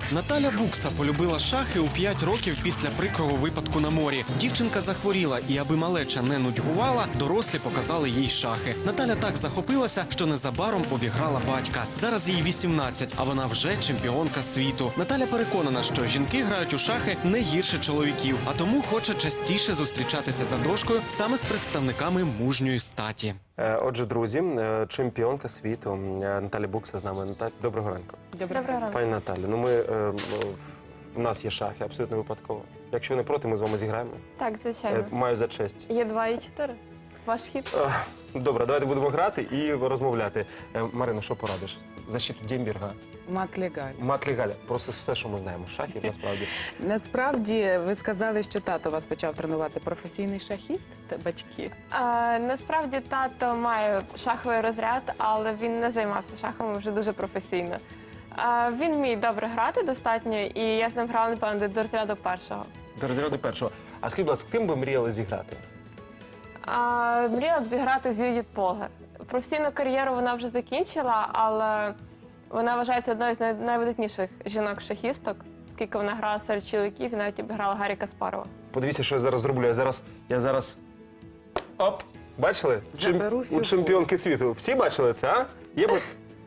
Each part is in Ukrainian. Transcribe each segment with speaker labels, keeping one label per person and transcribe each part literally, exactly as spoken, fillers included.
Speaker 1: Наталя Букса полюбила шахи у п'ять років після прикрого випадку на морі. Дівчинка захворіла, і аби малеча не нудьгувала, дорослі показали їй шахи. Наталя так захопилася, що незабаром обіграла батька. Зараз їй вісімнадцять, а вона вже чемпіонка світу. Наталя переконана, що жінки грають у шахи не гірше чоловіків, а тому хоче частіше зустрічатися за дошкою саме з представниками мужньої статі.
Speaker 2: Отже, друзі, чемпіонка світу Наталя Букса з нами. Наталя, доброго ранку.
Speaker 3: Доброго ранку.
Speaker 2: Пані Наталі, ну ми, е, у нас є шахи, абсолютно випадково. Якщо не проти, ми з вами зіграємо.
Speaker 3: Так, звичайно.
Speaker 2: Е, Маю за честь.
Speaker 3: Є два і чотири. Ваш хід.
Speaker 2: Е, Добре, давайте будемо грати і розмовляти. Е, Марина, що порадиш? Защиту Демберга.
Speaker 4: Мат легаль.
Speaker 2: Мат легаль. Просто все, що ми знаємо. Шахів, насправді.
Speaker 4: Насправді, ви сказали, що тато вас почав тренувати. Професійний шахіст та батьки?
Speaker 3: А, насправді тато має шаховий розряд, але він не займався шахами вже дуже професійно. А, він вміє добре грати достатньо, і я з ним грала, напевно, до розряду першого.
Speaker 2: До розряду першого. А скажіть, будь ласка, ким би мріяли зіграти?
Speaker 3: А, мріяла б зіграти з Юдіт Полгар. Професійну кар'єру вона вже закінчила, але вона вважається одною з най- найвидатніших жінок-шахісток, оскільки вона грала серед чоловіків і навіть обіграла Гаррі Каспарова.
Speaker 2: Подивіться, що я зараз зроблю. Я зараз, я зараз, оп, бачили?
Speaker 4: Заберу
Speaker 2: У
Speaker 4: фігуру.
Speaker 2: чемпіонки світу. Всі бачили це, а? Є б...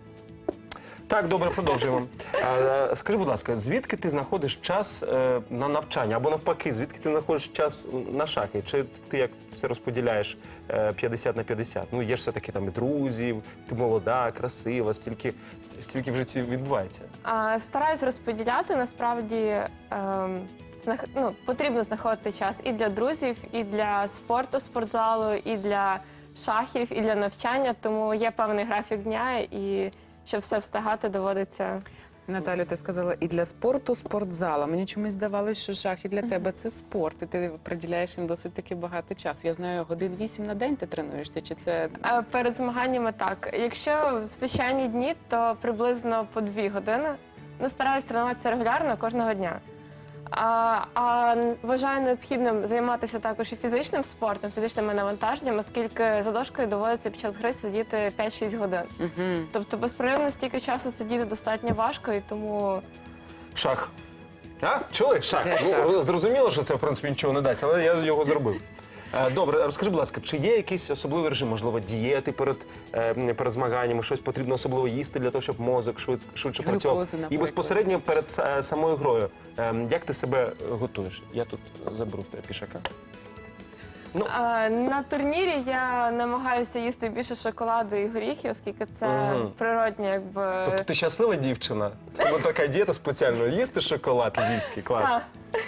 Speaker 2: Так, добре, продовжуємо. А, скажи, будь ласка, звідки ти знаходиш час е, на навчання? Або навпаки, звідки ти знаходиш час на шахи? Чи ти як все розподіляєш е, п'ятдесят на п'ятдесят? Ну, є ж все-таки там і друзів, ти молода, красива, стільки, стільки в житті відбувається.
Speaker 3: А, Стараюсь розподіляти, насправді ем, знах- ну, потрібно знаходити час і для друзів, і для спорту, спортзалу, і для шахів, і для навчання, тому є певний графік дня, і щоб все встигати, доводиться.
Speaker 4: Наталю, ти сказала, і для спорту спортзала. Мені чомусь здавалося, що шахи для тебе це спорт, і ти приділяєш їм досить таки багато часу. Я знаю, годин вісім на день ти тренуєшся, чи це...
Speaker 3: Е, Перед змаганнями так. Якщо в звичайні дні, то приблизно по дві години. Ну, стараюсь тренуватися регулярно кожного дня. А, а вважаю необхідним займатися також і фізичним спортом, фізичними навантаженням, оскільки за дошкою доводиться під час гри сидіти п'ять-шість годин.
Speaker 4: Угу.
Speaker 3: Тобто безперервно стільки часу сидіти достатньо важко, і тому
Speaker 2: Шах. А? Чули? Шах.
Speaker 4: Де
Speaker 2: Ну,
Speaker 4: шах?
Speaker 2: зрозуміло, що це, в принципі, нічого не дасть, але я його зробив. Е, Добре, розкажи, будь ласка, чи є якийсь особливий режим, можливо, дієти перед, е, перед змаганнями, щось потрібно особливо їсти для того, щоб мозок швидше, швидше
Speaker 4: Глюкози,
Speaker 2: працював? І
Speaker 4: наприклад.
Speaker 2: безпосередньо перед са- самою грою. Е, Як ти себе готуєш? Я тут заберу в тебе пішака. Ну,
Speaker 3: а, на турнірі я намагаюся їсти більше шоколаду і горіхів, оскільки це
Speaker 2: Мгм.
Speaker 3: природньо, якби.
Speaker 2: тобто ти щаслива дівчина? В тебе така дієта спеціальна. Їсти шоколад львівський, клас.
Speaker 3: Так.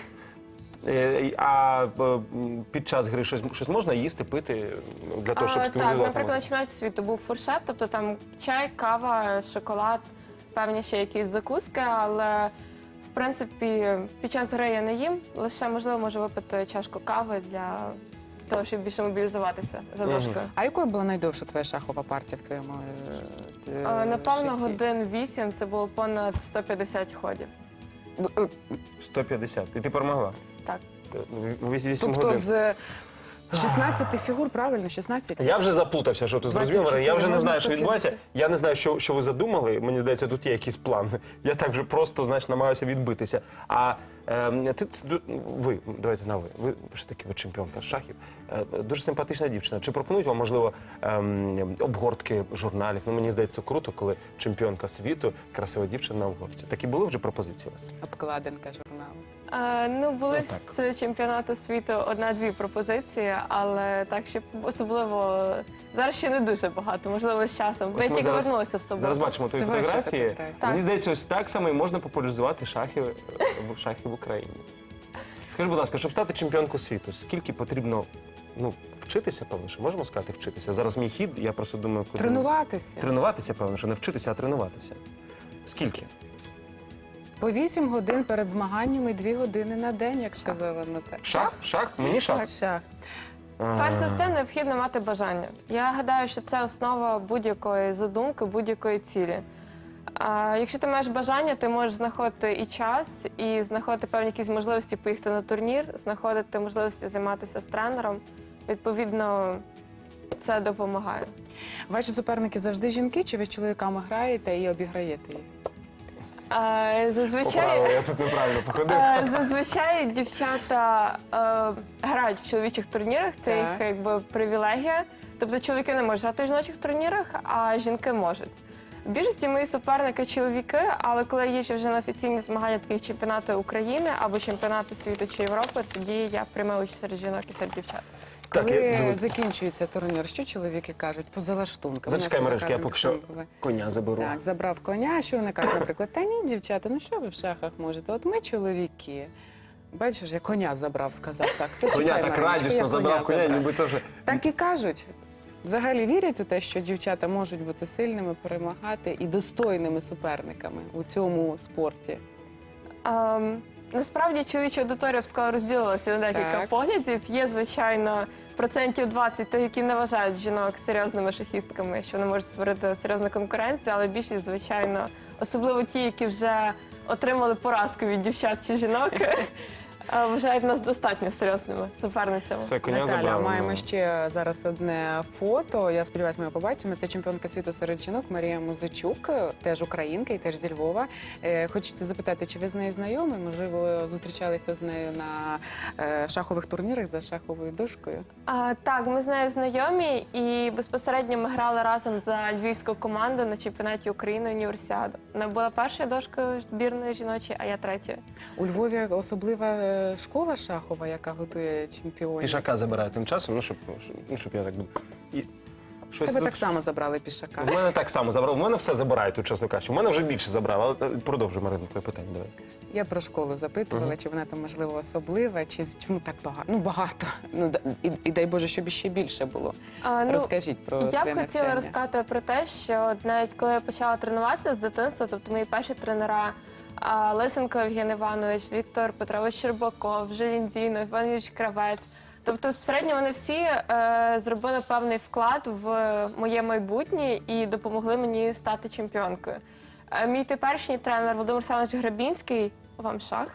Speaker 2: Е, А е, м, під час гри щось, щось можна їсти, пити для того, щоб
Speaker 3: А,
Speaker 2: стимулювати
Speaker 3: так, наприклад, на
Speaker 2: мозок?
Speaker 3: чемпіонаті світу був фуршет, тобто там чай, кава, шоколад, певні ще якісь закуски, але в принципі під час гри я не їм, лише можливо можу випити чашку кави для того, щоб більше мобілізуватися за
Speaker 2: Мгм.
Speaker 3: дошкою.
Speaker 4: А якою була найдовша твоя шахова партія в твоєму е,
Speaker 3: А,
Speaker 4: е,
Speaker 3: Напевно,
Speaker 4: житті?
Speaker 3: годин вісім, це було понад сто п'ятдесят ходів.
Speaker 4: Б- е,
Speaker 2: сто п'ятдесят. І ти перемогла?
Speaker 3: Так.
Speaker 2: вісім
Speaker 4: Тобто
Speaker 2: годин.
Speaker 4: з шістнадцяти фігур, правильно? шістнадцять?
Speaker 2: Я вже заплутався, що ти зрозумів,
Speaker 4: двадцять чотири,
Speaker 2: я вже не
Speaker 4: можна
Speaker 2: знаю, що
Speaker 4: сто
Speaker 2: відбувається.
Speaker 4: п'ятдесят.
Speaker 2: Я не знаю, що, що ви задумали. Мені здається, тут є якийсь план. Я так вже просто, знаєш, намагаюся відбитися. А е, ти, ви, давайте на ви, ви ж таки ви чемпіонка з шахів. Е, дуже симпатична дівчина. Чи пропонують вам, можливо, ем, обгортки журналів? Ну, мені здається, круто, коли чемпіонка світу, красива дівчина на обгортці. Такі були вже пропозиції у вас?
Speaker 4: Обкладинка журналу.
Speaker 3: А, ну, були
Speaker 2: Ну, так.
Speaker 3: з чемпіонату світу одна-дві пропозиції, але так, щоб особливо зараз ще не дуже багато, можливо, з часом. Бо
Speaker 2: Ось
Speaker 3: я
Speaker 2: ми
Speaker 3: тільки
Speaker 2: зараз-
Speaker 3: вернулася в суботу.
Speaker 2: Зараз бачимо твої
Speaker 4: Це ваші
Speaker 2: фотографії.
Speaker 4: фотографії.
Speaker 2: Мені
Speaker 3: Так.
Speaker 2: здається, ось так само і можна популяризувати шахи, е, в- шахи в Україні. Скажи, будь ласка, щоб стати чемпіонкою світу, скільки потрібно ну, вчитися, певно, що можемо сказати вчитися? Зараз мій хід, я просто думаю, куди...
Speaker 4: Тренуватися.
Speaker 2: Тренуватися, певно, що не вчитися, а тренуватися. Скільки?
Speaker 4: По вісім годин перед змаганнями і дві години на день, як сказала Наталя.
Speaker 2: Шах? Шах? Мені шах?
Speaker 4: Так, шах.
Speaker 3: Перш за все, необхідно мати бажання. Я гадаю, що це основа будь-якої задумки, будь-якої цілі. А якщо ти маєш бажання, ти можеш знаходити і час, і знаходити певні якісь можливості поїхати на турнір, знаходити можливості займатися з тренером. Відповідно, це допомагає.
Speaker 4: Ваші суперники завжди жінки, чи ви з чоловіками граєте і обіграєте їх?
Speaker 3: А, зазвичай,
Speaker 2: Поправила, я тут неправильно походив.
Speaker 3: а, зазвичай дівчата е, грають в чоловічих турнірах, це їх
Speaker 4: Так.
Speaker 3: якби привілегія. Тобто чоловіки не можуть грати в жіночих турнірах, а жінки можуть. В більшості мої суперники чоловіки, але коли я їжджу вже на офіційні змагання, такі як чемпіонати України або чемпіонати світу чи Європи, тоді я приймаю участь серед жінок і серед дівчат.
Speaker 2: Так,
Speaker 4: Коли
Speaker 2: я-
Speaker 4: закінчується турнір, що чоловіки кажуть? Поза лаштунками.
Speaker 2: Зачекай,
Speaker 4: У нас
Speaker 2: Маришка, я
Speaker 4: поза
Speaker 2: поки що
Speaker 4: кадром були.
Speaker 2: коня заберу.
Speaker 4: Так, забрав коня, що вони кажуть, наприклад, та ні, дівчата, ну що ви в шахах можете? От ми чоловіки. Бачиш, я коня забрав, сказав так. Та
Speaker 2: Коня
Speaker 4: чекай,
Speaker 2: так
Speaker 4: Мариночко,
Speaker 2: радісно
Speaker 4: я
Speaker 2: забрав коня,
Speaker 4: забрав.
Speaker 2: ніби це вже...
Speaker 4: Так і кажуть. Взагалі вірять у те, що дівчата можуть бути сильними, перемагати і достойними суперниками у цьому спорті.
Speaker 3: Ем, насправді чоловіча аудиторія, я б сказала, розділилася на декілька
Speaker 4: Так.
Speaker 3: поглядів. Є, звичайно, процентів двадцять тих, які не вважають жінок серйозними шахістками, що вони можуть створити серйозну конкуренцію, але більшість, звичайно, особливо ті, які вже отримали поразку від дівчат чи жінок, е, вважають нас достатньо серйозними суперницями.
Speaker 2: Все, коня
Speaker 4: Наталя,
Speaker 2: забрав.
Speaker 4: маємо ще зараз одне фото. Я сподіваюся, ми його побачимо. Це чемпіонка світу серед жінок Марія Музичук, теж українка і теж зі Львова. Е, Хочеться запитати, чи ви з нею знайомі? Можливо, зустрічалися з нею на е, шахових турнірах за шаховою дошкою?
Speaker 3: А, так, ми з нею знайомі і безпосередньо ми грали разом за львівську команду на чемпіонаті України універсіаду. Вона була першою дошкою збірної жіночої, а я третьою.
Speaker 4: У Львові особлива е, школа шахова, яка готує чемпіонів.
Speaker 2: Пішака забираю тим часом, ну щоб, ну, щоб я так... І... Щось
Speaker 4: Тебе
Speaker 2: тут-
Speaker 4: так само забрали пішака.
Speaker 2: У мене так само забрав. У мене все забирають, тут, чесно кажучи. У мене вже більше забрав, але продовжуй, Марина, твоє питання. Давай.
Speaker 4: Я про школу запитувала, чи вона там можливо особлива, чи з- чому так багато? Ну багато. Ну да- і, і дай Боже, щоб іще більше було.
Speaker 3: А, ну,
Speaker 4: Розкажіть про
Speaker 3: Я
Speaker 4: своє
Speaker 3: б хотіла
Speaker 4: навчання.
Speaker 3: розказати про те, що от навіть коли я почала тренуватися з дитинства, тобто мої перші тренера а, Лисенко Євген Іванович, Віктор Петрович Щербаков, Желінзіно, Іван Юрійович Кравець. Тобто, безпосередньо вони всі е, зробили певний вклад в моє майбутнє і допомогли мені стати чемпіонкою. Е, мій теперішній тренер Володимир Семенович Грабінський, вам шах,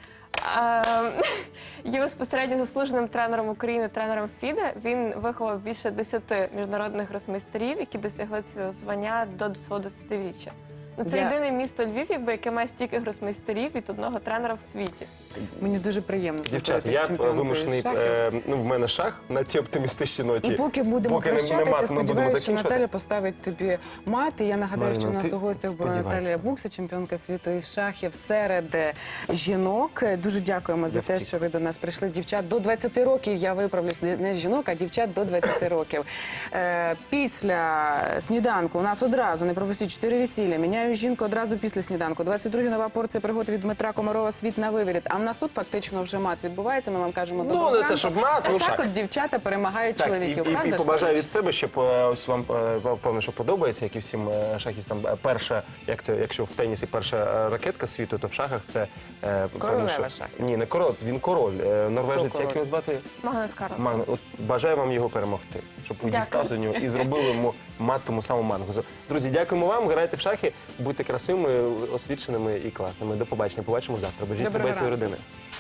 Speaker 3: е, є безпосередньо заслуженим тренером України, тренером ФІДе. Він виховав більше десяти міжнародних гросмейстерів, які досягли цього звання до свого двадцятиріччя. Ну, це
Speaker 4: Я-
Speaker 3: єдине місто Львів, якби, яке має стільки гросмейстерів від одного тренера в світі.
Speaker 4: Мені дуже приємно
Speaker 2: Дівчата,
Speaker 4: знаходитися
Speaker 2: я
Speaker 4: з чемпіонкою
Speaker 2: вимушений,
Speaker 4: з шахів.
Speaker 2: е, ну, в мене шах на цій оптимістичній ноті.
Speaker 4: І поки будемо
Speaker 2: Поки не-
Speaker 4: прощатися,
Speaker 2: нема, ми будемо
Speaker 4: сподіваюся, що
Speaker 2: закінчувати.
Speaker 4: Наталя поставить тобі мати. Я нагадаю,
Speaker 2: Марина,
Speaker 4: що у нас
Speaker 2: ти
Speaker 4: у гостях була
Speaker 2: сподівайся.
Speaker 4: Наталія Букса, чемпіонка світу із шахів серед е, жінок. Дуже дякуємо за
Speaker 2: Я
Speaker 4: те,
Speaker 2: втік.
Speaker 4: що ви до нас прийшли. Дівчат до двадцяти років, я виправлюсь, не не жінок, а дівчат до двадцяти років. Е, Після сніданку у нас одразу, не пропустіть, чотири весілля. Міняю жінку одразу після сніданку. двадцять друга нова порція пригод від Дмитра Комарова «Світ на виворіт». А в нас тут фактично вже мат відбувається. Ми вам кажемо
Speaker 2: Ну,
Speaker 4: доброго
Speaker 2: не те,
Speaker 4: ранку.
Speaker 2: щоб мат, ну,
Speaker 4: А так
Speaker 2: шах.
Speaker 4: от дівчата перемагають
Speaker 2: Так, і,
Speaker 4: чоловіків.
Speaker 2: і, і
Speaker 4: правда ж,
Speaker 2: побажаю
Speaker 4: Тарас?
Speaker 2: від себе, щоб е, ось вам е, певно, що подобається, як і всім е, шахістам. Е, Перша, як це, якщо в тенісі перша е, ракетка світу, то в шахах це е, певно,
Speaker 4: Королева
Speaker 2: що-
Speaker 4: шахів.
Speaker 2: Ні, не король, він король. Е, Норвежець,
Speaker 4: король?
Speaker 2: як його звати?
Speaker 3: Магнус Карлсон.
Speaker 2: Магну. От бажаю вам його перемогти, щоб ви
Speaker 3: Дякую.
Speaker 2: дістали до нього і зробили йому мат тому самому Мангусу. Друзі, дякуємо вам. Грайте в шахи, будьте красивими, освіченими і класними. До побачення. Побачимо завтра. Бережіть
Speaker 4: Доброго
Speaker 2: себе і свої
Speaker 4: ранку.
Speaker 2: родини.